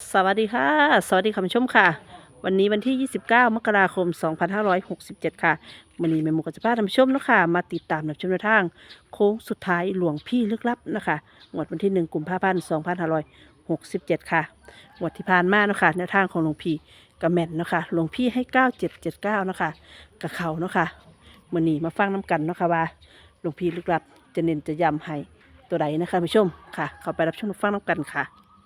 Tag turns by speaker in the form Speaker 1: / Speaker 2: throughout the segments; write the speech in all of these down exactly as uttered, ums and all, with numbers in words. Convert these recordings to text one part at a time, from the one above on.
Speaker 1: สวัสดีค่ะสวัสดีคุณผู้ชมค่ะวันนี้วันที่ยี่สิบเก้ามกราคมสองพันห้าร้อยหกสิบเจ็ดค่ะวันนี้แม่หมูกับจะพาท่านผู้ชมเนาะคะมาติดตามรับชมแนวทางโค้งสุดท้ายหลวงพี่ลึกลับนะคะงวดวันที่หนึ่งกุมภาพันธ์สองพันห้าร้อยหกสิบเจ็ดค่ะงวดที่ผ่านมาเนาะคะแนวทางของหลวงพี่กระแม่นเนาะคะหลวงพี่ให้เก้าเจ็ดเจ็ดเก้าเนาะคะกับเขาเนาะคะวันนี้มาฟังน้กันเนาะคะว่าหลวงพี่ลึกลับจะเน้นจะย้ำให้ตัวใดนะคะท่านผู้ชมค่ะ เข้าไปรับชมรับฟังน้กันค่ะ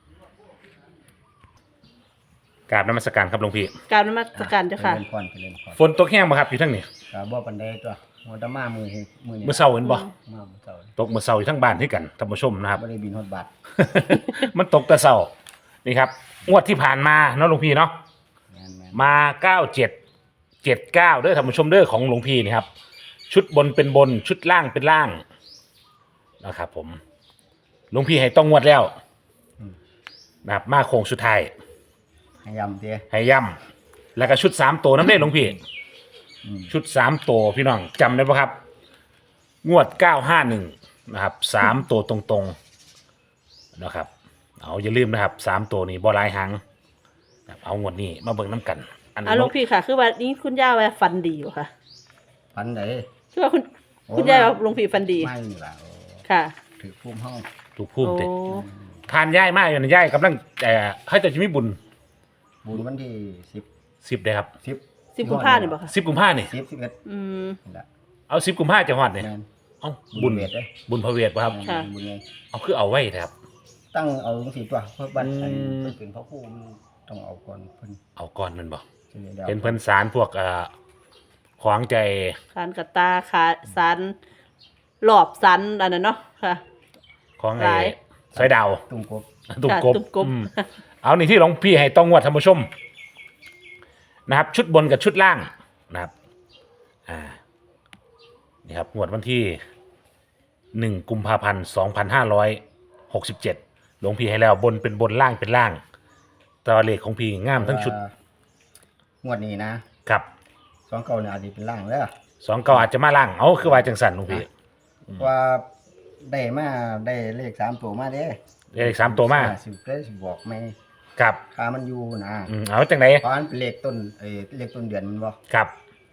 Speaker 2: กราบนมัสการครับหลวงพี่
Speaker 1: กรารนมัสการเจ้าค่ะ
Speaker 3: เจริญพรเจริญพร
Speaker 2: ฝนตกแห้งบ่ครับอยู่ทั้งนี้
Speaker 3: ก็บ่ปานใดตัวหัวตะมามือมือนี่
Speaker 2: เมื่อเช้าเห็นบ่
Speaker 3: มามื้อเช้า
Speaker 2: ตกเมื่อเช้าอยู่ทั้งบ้านที่กันท่านผู้ชมนะครับ
Speaker 3: บ่ได้บินฮอดบาท
Speaker 2: มันตกแต่เช้านี่ครับงวดที่ผ่านมาเนาะหลวงพี่เนาะ
Speaker 3: แม่น
Speaker 2: มาเก้าเจ็ดเจ็ดเก้าเด้อท่านผู้ชมเด้อของหลวงพี่นี่ครับชุดบนเป็นบนชุดล่างเป็นล่างนะครับผมหลวงพี่ให้ต้องงวดแล้วนะครับมาโค้งสุดท้าย
Speaker 3: ๆให้ยำเด้อ
Speaker 2: ให้ย่ำแล้วก็ชุดสามตัวน้ำเด้หลวงพี่
Speaker 3: อืม
Speaker 2: ชุดสามตัวพี่น้องจำได้ปะครับ งวดเก้าห้าหนึ่งนะครับสามตัวตรงๆนะครับเอาอย่าลืมนะครับสามตัวนี้บอลายหางนะครับเอางวดนี้มาเบิ่งน้ำกัน อัน
Speaker 1: อ่าหลวงพี่ค่ะ คือว่านี้คุณย่าว่าฟันดีอยู่ค่ะ
Speaker 3: ปันใด
Speaker 1: คือว่าคุณ
Speaker 3: โอ้
Speaker 1: คุณย่าว่าหลวงพี่ฟันดี
Speaker 3: ไม่นี่ล่ะโอ้
Speaker 1: ค่ะ
Speaker 3: ถือภูมิเฮา
Speaker 2: ถูกพูด
Speaker 1: โอ้
Speaker 2: เด็ทานย่ายมากอยู่นะย่ายกำลังแต่ให้แต่จะมีบุญ
Speaker 3: บุญวันที่สิบ
Speaker 2: สิบเลยครับ
Speaker 3: สิบ
Speaker 1: สิบกุมภาเนี่ยบอกค่ะ
Speaker 2: สิบกุมภานี่
Speaker 3: สิบสิบเอ็ด
Speaker 1: อืม
Speaker 3: นี่ล่ะ
Speaker 2: เอาสิบกุมภาจะหอดเนี่ย
Speaker 3: แม่น
Speaker 2: เอา
Speaker 3: บุ
Speaker 2: บุ
Speaker 3: ญ
Speaker 2: ญ
Speaker 3: เวทเด้อ
Speaker 2: บุญพระเวทป่ะครับ
Speaker 1: ค่ะ
Speaker 3: บุญไง
Speaker 2: เอาคือเอาไว้นะครับ
Speaker 3: ตั้งเอาจังซี่ตัวเพิ่นบัด
Speaker 2: อืม
Speaker 3: เพิ่นเป็นพระครูมันต้องเอาก่อนเพิ่น
Speaker 2: เอาก่อนมันบ่
Speaker 3: สิได้
Speaker 2: เป็นเพิ่นสารพวกเอ่อขวางใจ
Speaker 1: สารกระตาขาสันหลอบสันอันนั้นเนาะค่ะ
Speaker 2: ของ
Speaker 1: ห
Speaker 2: ไอ้
Speaker 1: ลาย
Speaker 2: สายดาว
Speaker 3: ตุ้งกบ
Speaker 2: ตุ่ม
Speaker 1: ค่ะ
Speaker 2: กบ
Speaker 1: ตุ่มกบ
Speaker 2: อืมเอานี่ที่หลวงพี่ให้ต้องงวดท่านผู้ชมนะครับ ชุดบนกับชุดล่างนะครับอ่านี่ครับงวดวันที่หนึ่งกุมภาพันธ์สองพันห้าร้อยหกสิบเจ็ดหลวงพี่ให้แล้วบนเป็นบนล่างเป็นล่างแตัวาเลขของพี่งามทั้งชุด
Speaker 3: ว่างวดนี้นะครับ สองเก่าเนี่ยอาจจะเป็นล่างเด้อ
Speaker 2: สองเก็อาจจะมาล่างเอาคือว่าจังสันหลวงพี่
Speaker 3: ว่าได้มาได้เลขสามตัวมาเด้
Speaker 2: เลขสามตัวมา
Speaker 3: สิบได้สิบบอกไม่
Speaker 2: ครับ
Speaker 3: คามันอยู่นะ
Speaker 2: อืมเอาจังไหน
Speaker 3: เพราะอันเป็นเลขต้นเอ้ยเลขต้นเดือนมันบ่
Speaker 2: ครับ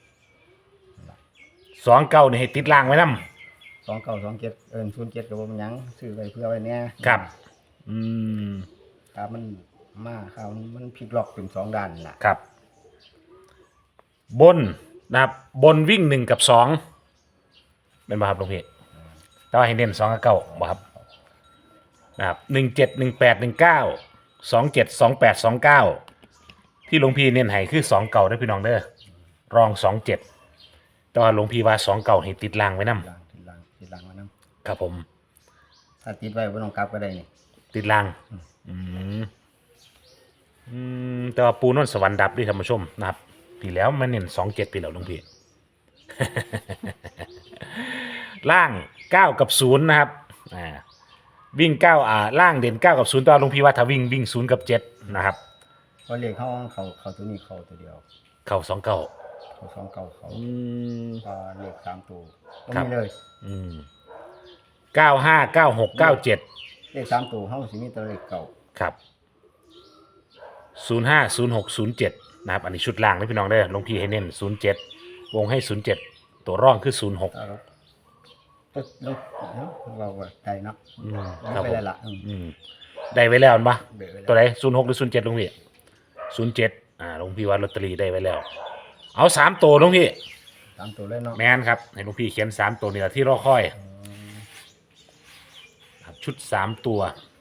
Speaker 2: สองเก้านี่ให้ติดล่างไว้นำ
Speaker 3: สองเก้าสองเจ็ดเอิญศูนย์เจ็ดกับมันหยังซื้อไว้เพื่อไว้เนี่ย
Speaker 2: ครับ อืม
Speaker 3: ครับมันมาข้าวมันพลิกล็อกเป็นสองด้านล่ะ
Speaker 2: ครับ บนนะครับ บนวิ่งหนึ่งกับสองเป็นบ่ครับหลวงพี่แต่ว่าให้เน้นสองกับเก้าบ่ครับนะครับหนึ่งเจ็ดหนึ่งแปดหนึ่งเก้าสองเจ็ดสองแปดสองเก้าที่หลวงพี่เน้นให้คือสองเก่าได้อพี่น้องเด้อรองสองเจ็ดแต่ว่าหลวงพี่ว่าสองเก่าให้ติดล่างไว้นำ
Speaker 3: ล่างติดล่างติดล่างมานํ
Speaker 2: ครับผม
Speaker 3: ถ้าติดไว้บ่ต้องกลับก็ได้นี่
Speaker 2: ติดล่าง อืมอืมแต่ว่าปูนนสวรรค์ดับด้วยท่านผู้ชมนะครับปีแล้วมันเน้นสองเจ็ดปีแล้วหลวงพี่ ล่างเก้ากับศูนย์นะครับอ่าวิ่งเก้าอ่าล่างเด่นเก้ากับศูนย์ตอนหลวงพี่ว่าถ้าวิ่งวิ่งศูนย์กับเจ็ดนะครับ
Speaker 3: เพราะเลขเขาเขาเขาตัวนี้เขาตัวเดียว
Speaker 2: เก้าสองเก้า
Speaker 3: เขาสองเก้าเขา
Speaker 2: อืม
Speaker 3: พอเลขสามตัวก็
Speaker 2: ครับ
Speaker 3: มีเลย
Speaker 2: อืมเก้าห้าเก้าหกเก้าเจ็ด
Speaker 3: เลขสามตัวเฮาสิมีแต่เลขเก่า
Speaker 2: ครับศูนย์ห้าศูนย์หกศูนย์เจ็ดนะครับอันนี้ชุดล่างนะพี่น้องเด้อหลวงพี่ให้เน้นศูนย์เจ็ดวงให้ศูนย์เจ็ดตัวร่องคือศูนย์หก
Speaker 3: ถ้าเราตึ๊ดลงเนาะเราก็ได้เนาะ
Speaker 2: อืม
Speaker 3: มัน
Speaker 2: ครับ
Speaker 3: ไป
Speaker 2: ผม
Speaker 3: ได้ละอืม
Speaker 2: อืมได้ไว้แล้วปะ
Speaker 3: เบะไว้
Speaker 2: ตัว
Speaker 3: แล้ว
Speaker 2: ไหนศูนย์หกหรือศูนย์เจ็ดลุงพี่ศูนย์เจ็ดอ่าลุงพี่ว่าลอตเตอรี่ได้ไว้แล้ว เอาสามตัวลุงพี่
Speaker 3: สามตัวเลยเนาะ
Speaker 2: แมนครับให้ลุงพี่เขียนสามตัวนี่แหละที่รอคอยครับชุดสามตัว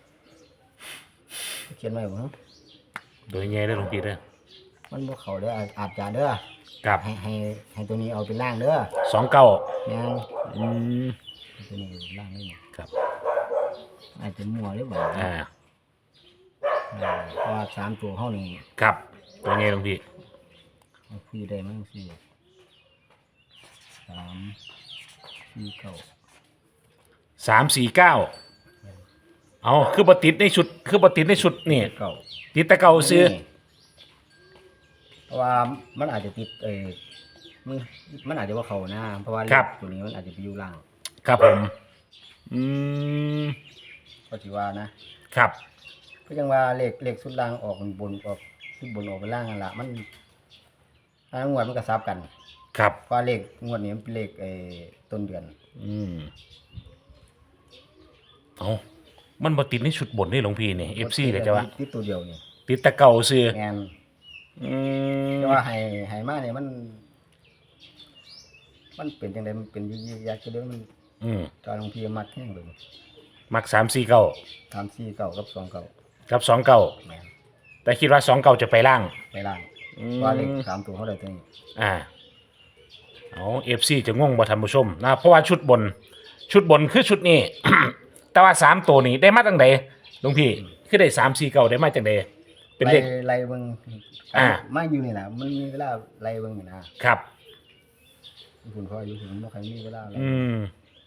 Speaker 3: เขียนไว้บ่เนาะ
Speaker 2: โดยง่ายได้อลุงพี่เด้อ
Speaker 3: มันบ่เข้าเด้ออาจอาจจะเด้อ
Speaker 2: กับ
Speaker 3: ให้ให้ให้ตัวนี้เอาเป็นล่างเด้อ
Speaker 2: สองเก้า
Speaker 3: แม่น
Speaker 2: อืม
Speaker 3: ตัวนี้ล่างนี่
Speaker 2: ครับ
Speaker 3: อาจจะมั่วหรือเปล่า
Speaker 2: อ่า
Speaker 3: เออเพราะว่าสามตัวเฮานี่
Speaker 2: ครับตัวง่ายลุงพี่
Speaker 3: มันคือได้มั้งสิสามสี่เก้า
Speaker 2: สามสี่เก้าเอาคือปติดในชุดคือปติดในชุดนี่
Speaker 3: เก้า
Speaker 2: ติดแต่เก่าซื้อ
Speaker 3: เพราะว่ามันอาจจะติดเออมันมันอาจจะว่าเขานะเพราะว่าเลขตัวนี้มันอาจจะไปอยู่ล่าง
Speaker 2: ครับผมอืม
Speaker 3: ก็ถือว่านะครับก็ยังว่าเลขเลขสุดล่างออกบนออกสุดบนออกไปล่างนั่นล่ะมันทางงวดมันก็ซับกัน
Speaker 2: ครับ
Speaker 3: เพราะเลขงวดนี้มันเป็นเลขไอ้ต้นเดือน
Speaker 2: อืมเอามันบ่ติดในชุดบนนี่หลวงพี่นี่ เอฟ ซี ก็จะว่า
Speaker 3: ติดตัวเดียวนี่
Speaker 2: ติดแตะเก่าซื่อ
Speaker 3: แม่น
Speaker 2: อืม
Speaker 3: แต่ว่าให้ให้มาเนี่ยมัน มันเป็นจังไดมันเป็นยี่ๆอยากจะเด้อมัน
Speaker 2: อืม
Speaker 3: ตอนหลวงพี่มักแห้งเลย
Speaker 2: มักสามสี่เก้า
Speaker 3: สามสี่เก้ากับสองเก้า
Speaker 2: กับสองเก้า
Speaker 3: แม่น
Speaker 2: แต่คิดว่าสองเก้าจะไปล่าง
Speaker 3: ไปล่าง
Speaker 2: อืม
Speaker 3: ว่าเลขสามตัวเท่าใดตัวนี้
Speaker 2: อ่าเอา เอฟ ซี จะงงบ่ท่านผู้ชมนะเพราะว่าชุดบน ชุดบนคือชุดนี้ แต่ว่าสามตัวนี้ได้มาตั้งใดหลวงพี่คือได้สามสี่เก้าได้มาจังใดเป็นเลข
Speaker 3: ไล่ไล่เบิ่ง
Speaker 2: อ่า
Speaker 3: มาอยู่นี่น่ะมันมีเวลาไล่เบิ่งนี่นะครับ คุณพ่ออยู่ถึงบ่ใครมีเวลาไล่
Speaker 2: อืม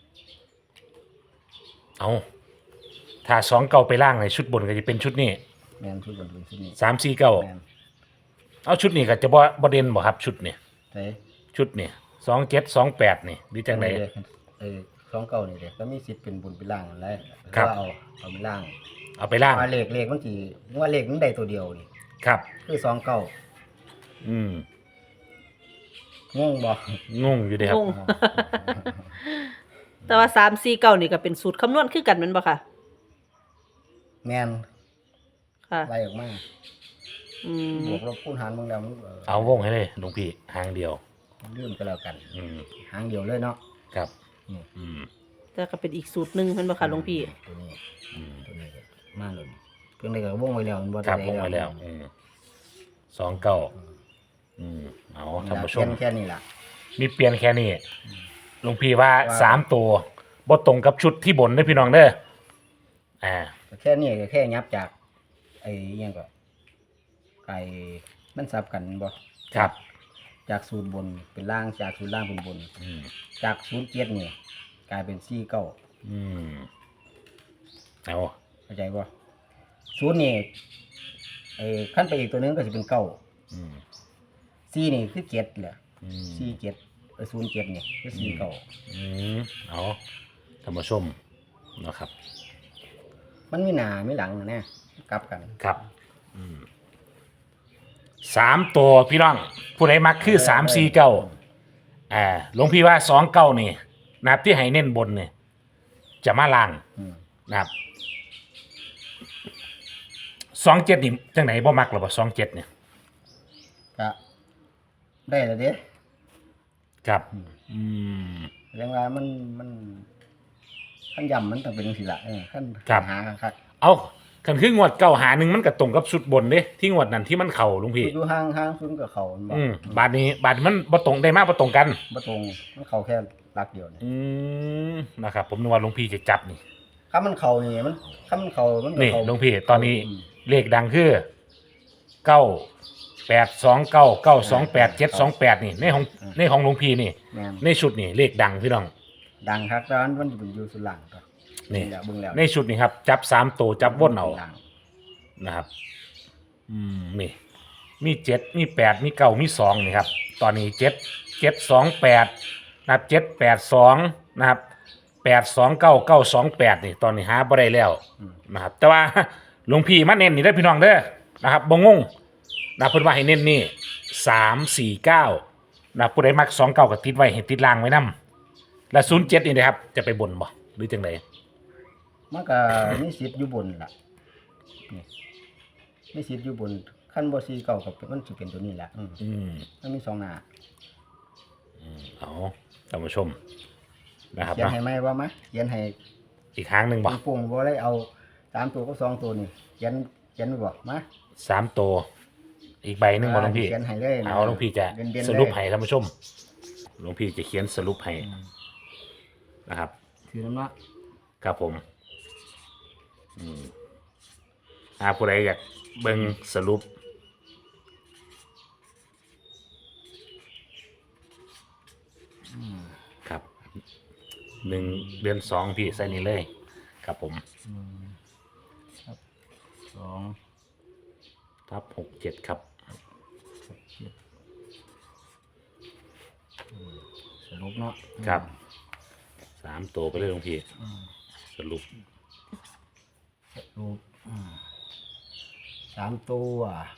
Speaker 2: เอาถ้าสองเก้าไปล่างในชุดบนก็จะเป็นชุดนี้
Speaker 3: แม่นชุดบนเป็นชุดนี้
Speaker 2: สามสี่เก้า
Speaker 3: แม่น
Speaker 2: เอาชุดนี้ก็จะบ่บ่เด่นบ่ครับชุดนี้
Speaker 3: ไส
Speaker 2: ชุดนี้สองเจ็ดสองแปดนี่หรือจังได
Speaker 3: เออสองเก้านี่เด้ก็มีสิทธิ์เป็นบุญเป็นล่างนั่นแหละ
Speaker 2: ครับ
Speaker 3: ว่าเอาเอาไปล่าง
Speaker 2: เอาไปล่าง
Speaker 3: ว่าเลขเลขมันสิว่าเลขมันได้ตัวเดียวนี่
Speaker 2: ครับ
Speaker 3: คือสองเก้า
Speaker 2: อืม
Speaker 3: งงบ่
Speaker 2: งงอยู่เด้ครับ
Speaker 1: งง แต่ว่าสามสี่เก้านี่ก็เป็นสูตรคำนวณคือกันแม่นบ่ค่ะ
Speaker 3: แม่น
Speaker 1: ค่ะ
Speaker 3: ไล่ออกมา
Speaker 1: อืม
Speaker 3: บวกลบคูณหารเบิ่งแล้วมันเออ
Speaker 2: เอาวงให้เลยหลวงพี่หางเดียว
Speaker 3: ลืมก็แล้วกัน
Speaker 2: อืม
Speaker 3: หางเดียวเลยเนาะ
Speaker 2: ครับ
Speaker 3: นี่
Speaker 2: อืม
Speaker 1: แต่ก็เป็นอีกสูตรหนึงแม่นบ่ค่ะหลวงพี่
Speaker 3: ตัวนี้
Speaker 2: อืม
Speaker 3: ตัวนี้ก็มาเลยเพิ่งได้ก็วงไว้แล้วมันบ่
Speaker 2: ครับ
Speaker 3: ได้
Speaker 2: วงไว้แล้วอืมสองเก้าอืมเอาท่านผู้ชม
Speaker 3: แค่นี้ล่ะ
Speaker 2: มีเปลี่ยนแค่นี้หลวงพี่ว่า
Speaker 3: ว่า
Speaker 2: สามตัวบ่ตรงกับชุดที่บนเด้อพี่น้องเด้ออ่า
Speaker 3: แค่นี้ก็แค่ยับจาก ไอ้อิหยังก็ไก่มันสับกันบ่
Speaker 2: ครับ
Speaker 3: จากศูนย์บนเป็นล่างจากศูนย์ล่างเป็นบน
Speaker 2: อืม
Speaker 3: จากศูนย์เจ็ดนี่กลายเป็นสี่เก้า
Speaker 2: อืมเอา
Speaker 3: เข้าใจบ่ศูนย์นี่ไอ้ขั้นไปอีกตัวหนึงก็จะเป็นเก้า
Speaker 2: อืม
Speaker 3: สี่นี่คือเจ็ดแหละ
Speaker 2: อืม
Speaker 3: สี่เจ็ดเออศูนย์เจ็ดนี่คือสี่เก้า
Speaker 2: อืมเอาท่านผู้ชมนะครับ
Speaker 3: มันมีหน้ามีหลังนะกลับกัน
Speaker 2: ครับอืมสามตัวพี่น้อง ผู้ใดมักคือสามสี่เก้าอ่าหลวงพี่ว่าสองเก้านี่นะครับที่ให้เน้นบนเนี่ยจะมาล่าง
Speaker 3: อืม
Speaker 2: นะครับสองเจ็ดนี่จังไหนบ่มักหรอบ่สองเจ็ดเนี่ย
Speaker 3: ก็ได้แล้วเด้
Speaker 2: ครับอืม
Speaker 3: เรื่องว่ามันมันขั้นยำมันต้องเป็นจังซี่ล่ะเออขั้น
Speaker 2: ครับ
Speaker 3: หาครับ
Speaker 2: เอาคันคืองวดเก้าหาหนึ่งมันก็ตรงกับชุดบนเด้ที่งวดนั้นที่มันเข่าหลุงพี่
Speaker 3: อยู่ห่างห่างศูนย์กับเขามันบ่
Speaker 2: อืมบาทนี้บาทมันบ่ตรงได้มากบ่ตรงกัน
Speaker 3: บ่ตรงมันเข้าแค่หลักเดียวนี่
Speaker 2: อืมนะครับ ผมนึกว่าหลวงพี่จะจับนี่
Speaker 3: ถ้ามันเข้านี่มันถ้ามันเข้ามันก็
Speaker 2: นี่
Speaker 3: เข้า
Speaker 2: หลวงพี่ตอนนี้
Speaker 3: อืม
Speaker 2: เลขดังคือเก้าแปดสองเก้าเก้าสองแปดเจ็ดสองแปดนี่ในของ
Speaker 3: อืม
Speaker 2: ในของหลวงพี่นี่
Speaker 3: แม่น
Speaker 2: ในชุดนี่เลขดังพี่น้อง
Speaker 3: ดังครับตอนมันอยู่อยู่สุดหลังก็
Speaker 2: นี่
Speaker 3: เบิ่งแล้ว
Speaker 2: ในชุดนี่ครับ จับสามตัวจับวนเอา
Speaker 3: หลัง
Speaker 2: นะครับ อืมนี่มีเจ็ดมีแปดมีเก้ามีสองนี่ครับ ตอนนี้เจ็ดเจ็ดสองแปดนะครับเจ็ดแปดสองนะครับแปดสองเก้าเก้าสองแปดนี่ตอนนี้หาบ่ได้แล้ว
Speaker 3: อืม
Speaker 2: นะครับ แต่ว่า หลวงพี่มาเน้นนี่ได้อพี่น้องเด้อนะครับบ่งงนะเพิ่นว่าให้เน้นนี่สามสี่เก้านะผู้ใดมักสองเก้าก็ติดไว้ให้ติดล่างไว้นํและศูนย์เจ็ดนี่นะครับ จะไปบนบ่หรือจังได
Speaker 3: มันก็มีสิทธิ์อยู่บนล่ะนี่มีสิทธิ์อยู่บนขั้นบ่ซีเก่ากับมันสิเป็นตัวนี้แหละอืม
Speaker 2: อืม
Speaker 3: มันมีสองหน้า
Speaker 2: เอาท่านผู้ชมนะครับ
Speaker 3: เขียน
Speaker 2: เนาะ
Speaker 3: ให้ไหมว่ามาเขียนให้
Speaker 2: อีกครั้งหนึ่งบ่
Speaker 3: ปุ่งๆบ่ได้เอาสามตัวกับสองตัวนี่เขียนเขียนไว้บ่มา
Speaker 2: สามตัวอีกใบหนึ่งบ่หลวงพี่
Speaker 3: เขียนให้เลยนะ
Speaker 2: เอาหลวงพี่จะ
Speaker 3: เด่นๆเลย
Speaker 2: สรุปให้ท่านผู้ชมหลวงพี่จะเขียนสรุปให้นะครับ
Speaker 3: ถือน้ำเนาะ
Speaker 2: ครับผมอืมหาผู้ใดอยากเบิ่งสรุปครับหนึ่งเดือนสองพี่ใส่นี่เลย ครับผม
Speaker 3: ครับสอง
Speaker 2: ทับหกเจ็ดครับ
Speaker 3: สรุปเนาะ
Speaker 2: ครับสามตัวไปเลยหลวงพี่
Speaker 3: อืม
Speaker 2: สรุป
Speaker 3: สรุปอืมสามตัว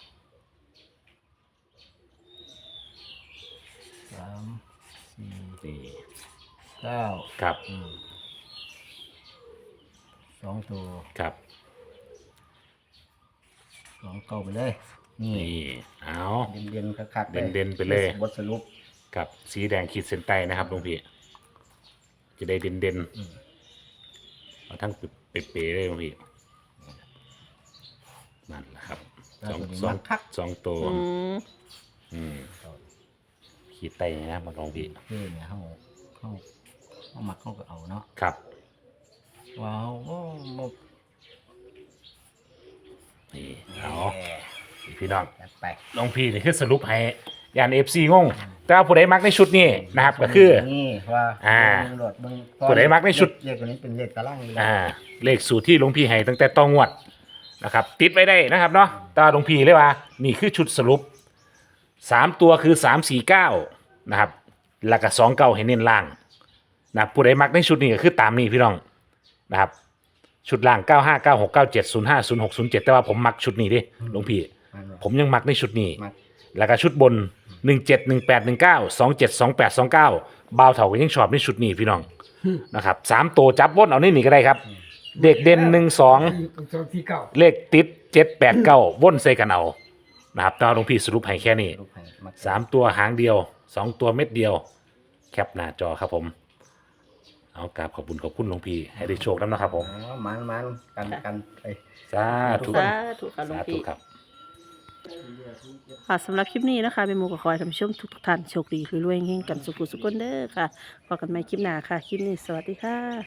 Speaker 3: สามสี่
Speaker 2: นี่
Speaker 3: เก้า
Speaker 2: ครับ
Speaker 3: อืมสองตัว
Speaker 2: ครับ
Speaker 3: สองเก้าไปเลยนี่
Speaker 2: นี่เอา
Speaker 3: เด่นเด่นๆคักๆ
Speaker 2: เด่นๆไปเลย
Speaker 3: บทสรุป
Speaker 2: กับสีแดงขีดเส้นใต้นะครับหลวงพี่จะได้เด่นเด่นๆ
Speaker 3: อืม
Speaker 2: เอาทั้งเป๊ะๆเลยหลวงพี่นั่นแหละครับสองสองสองตัว
Speaker 1: อืม
Speaker 2: อืมขีดไต้นะครับหลวงพี่
Speaker 3: เพื่อเนี่ยเขาเขาเขาหมักเขาก็เอาเนาะ
Speaker 2: ครับ
Speaker 3: ว้าวโอ้โม
Speaker 2: นี่เอาพี่น้อง
Speaker 3: จัดไป
Speaker 2: หลวงพี่นี่คือสรุปให้ยานเอฟซีงง แต่ว่าผู้ใดมักในชุดนี้นะครับ ก็คือ
Speaker 3: นี่ว่า
Speaker 2: อ่า
Speaker 3: เบิ่งโหลดเบิ่ง
Speaker 2: ผู้ใดมักในชุด
Speaker 3: เลขตัวนี้เป็นเลขตารางอยู่แล้ว
Speaker 2: อ่า เลขสูตรที่หลวงพี่ให้ตั้งแต่ต้องงวดนะครับ ติดไว้ได้นะครับเนาะแตว่าหลวงพี่เลยว่า นี่คือชุดสรุปสามตัวคือสามสี่เก้านะครับแล้วก็สองเก้าให้เน้นล่างนะครับผู้ใดมักในชุดนี้ก็คือตามนี้พี่น้องนะครับ ชุดล่างเก้าห้าเก้าหกเก้าเจ็ดศูนย์ห้าศูนย์หกศูนย์เจ็ดแต่ว่าผมมักชุดนี้ดิหลวงพี่
Speaker 3: มันว่า
Speaker 2: ผมยังมักในชุดนี้
Speaker 3: มัก
Speaker 2: แล้วก็ชุดบนหนึ่งเจ็ดหนึ่งแปดหนึ่งเก้าสองเจ็ดสองแปดสองเก้าบาวเถาก็ยังชอบในชุดนี้พี่น้องนะครับสามตัวจับวนเอาในนี่ก็ได้ครับ เด็กเด่นหนึ่งสอง
Speaker 4: สองที่เก้า
Speaker 2: เลขติดเจ็ดแปดเก้าวนใส่กันเอานะครับตอนหลวงพี่สรุปให้แค่นี้
Speaker 3: ลูกให้มัก
Speaker 2: สามตัวหางเดียวสองตัวเม็ดเดียว แคปหน้าจอครับผม เอากราบขอบคุณขอบคุณหลวงพี่ให้ได้โชคแล้วนะครับผม
Speaker 3: อ๋อมันมันกันกันไป
Speaker 2: สาธุ
Speaker 1: สาธุค่ะหลวง
Speaker 2: สาธุ
Speaker 1: พี่
Speaker 2: ครับ
Speaker 1: ค่ะสำหรับคลิปนี้นะคะเป็นหมูกับคอยท่านผู้ชมทุกๆท่านโชคดีรวยๆเฮงๆกันสุขุสุขคนเด้อค่ะพบกันใหม่คลิปหน้าค่ะ คลิปนี้สวัสดีค่ะ